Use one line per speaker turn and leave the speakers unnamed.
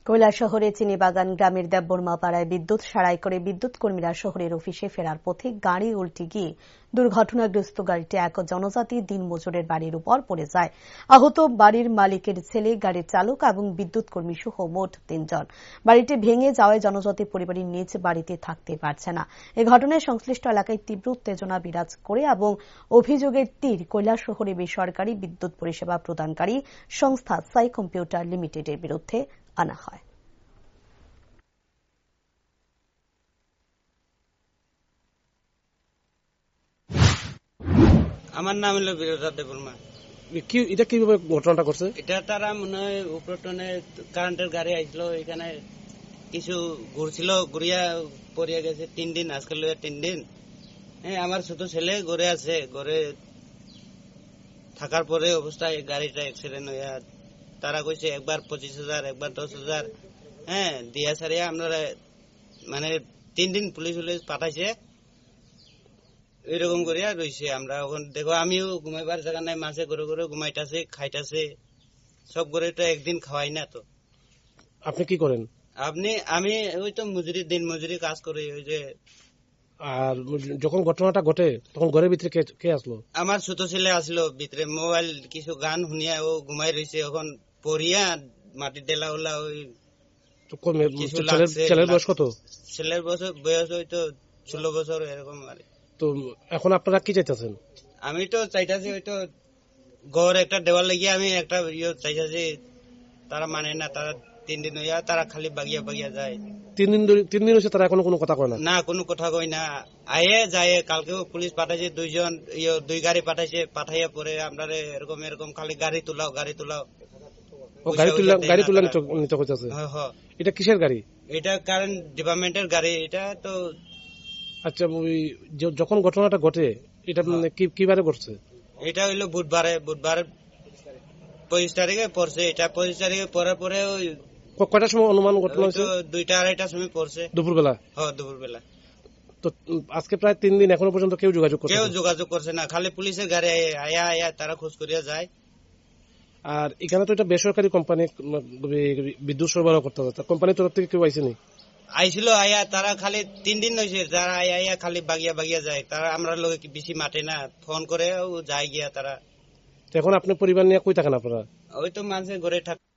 কৈলাসহরে চিনিবাগান গ্রামের দেববর্মা পাড়ায় বিদ্যুৎ সারাই করে বিদ্যুৎ কর্মীরা শহরের অফিসে ফেরার পথে গাড়ি উল্টে গিয়ে দুর্ঘটনাগ্রস্ত গাড়িটি এক জনজাতি দিনমজুরের বাড়ির উপর পড়ে যায়। আহত বাড়ির মালিকের ছেলে, গাড়ির চালক এবং বিদ্যুৎ কর্মী সহ মোট ৩ জন। বাড়িটি ভেঙে যাওয়ায় জনজাতি পরিবারের নিজ বাড়িতে থাকতে পারছে না। এ ঘটনায় সংশ্লিষ্ট এলাকায় তীব্র উত্তেজনা বিরাজ করে এবং অভিযোগের তীর কৈলাসহরে বেসরকারি বিদ্যুৎ পরিষেবা প্রদানকারী সংস্থা সাই কম্পিউটার লিমিটেডের বিরুদ্ধে আনা হয়।
আমার নাম হলো বীরদা দেববর্মা।
এটা কিভাবে ঘটনাটা করছে?
এটা তারা মনে হয় উপরটনে কারেন্টের গাড়ি আইছিল, এখানে কিছু ঘুরছিল, ঘুরিয়া পড়িয়া গেছে 3 দিন, আজকে 3 দিন। হ্যাঁ, আমার ছোট ছেলে ঘরে আছে, ঘরে থাকার পরে অবস্থায় গাড়িটা অ্যাক্সিডেন্ট হইয়া তারা কইছে একবার 25,000, একবার 10,000 হ্যাঁ দিয়া সারিয়া আমরা মানে 3 দিন পুলিশ পাঠাইছে। এরকম করিয়া রয়েছে। আমরা এখন দেখো, আমিও ঘুমাইবার জায়গা নাই, মাঝে ঘরে ঘরে ঘুমাইতেছে, খাইতেছে, সব করে তো একদিন খাওয়াই না। তো
আপনি কি করেন?
আমি ওই তো দিন মজুরি কাজ করি। ওই যে
আর যখন ঘটনাটা ঘটে তখন ঘরের ভিতরে কে আসলো?
আমার ছোট ছেলে আসলো ভিতরে, মোবাইল কিছু গান শুনিয়া ও ঘুমাই রয়েছে। এখন পড়িয়া মাটি ডেলা ওলা ওই
ছেলের বয়স কত?
ছেলের বয়স হয়তো 16 বছর এরকম। আর
তো এখন আপনারা কি চাইতেছেন?
আমি তো চাইতেছি হয়তো ঘর একটা দেওয়াল লাগিয়ে আমি একটা চাইতেছি। তারা মানে না, তারা 3 দিন হইয়া তারা খালি বাগিয়া বাগিয়া যায়।
3 দিন হয়েছে তারা এখনো কোনো কথা কয় না?
না, কোনো কথা কই না। আয়ে যায়, কালকেও পুলিশ পাঠাইছে, 2 গাড়ি পাঠাইছে। পাঠাইয়া পরে আমরা এরকম খালি গাড়ি তুলাও।
গাড়ি তুলা নিতে হইতেছে। এটা কিসের গাড়ি?
এটা কারেন্ট ডিপার্টমেন্টের গাড়ি। এটা তো
আচ্ছা, যখন ঘটনাটা ঘটে এটা কিবারে ঘটছে?
এটা হইলো বুধবার 25 তারিখে পড়ছে। এটা 25 তারিখে পড়ার পরে ওই
কয়টার সময় অনুমান ঘটনা হয়েছে?
2টা-2:30টার সময় পড়ছে, দুপুরবেলা। হ্যাঁ, দুপুরবেলা।
তো আজকে প্রায় 3 দিন এখনো পর্যন্ত কেউ যোগাযোগ
করছে না। খালি পুলিশের গাড়ি আয়া তারা খোঁজ করিয়া যায়।
আর এখানে তো এটা বেসরকারি কোম্পানি বিদ্যুৎ সরবরাহ করতে হবে, কোম্পানির তরফ থেকে কেউ আইসেনি?
আইছিল আয়া, তারা খালি 3 দিন হয়েছে, যারা আয়া খালি বাগিয়া যায়। তারা আমরা লোক বেশি মাঠে না, ফোন করে যায় গিয়া তারা।
এখন আপনি পরিবার নিয়ে কই থাকেন আপনারা?
ওই তো মানুষের ঘরে থাক।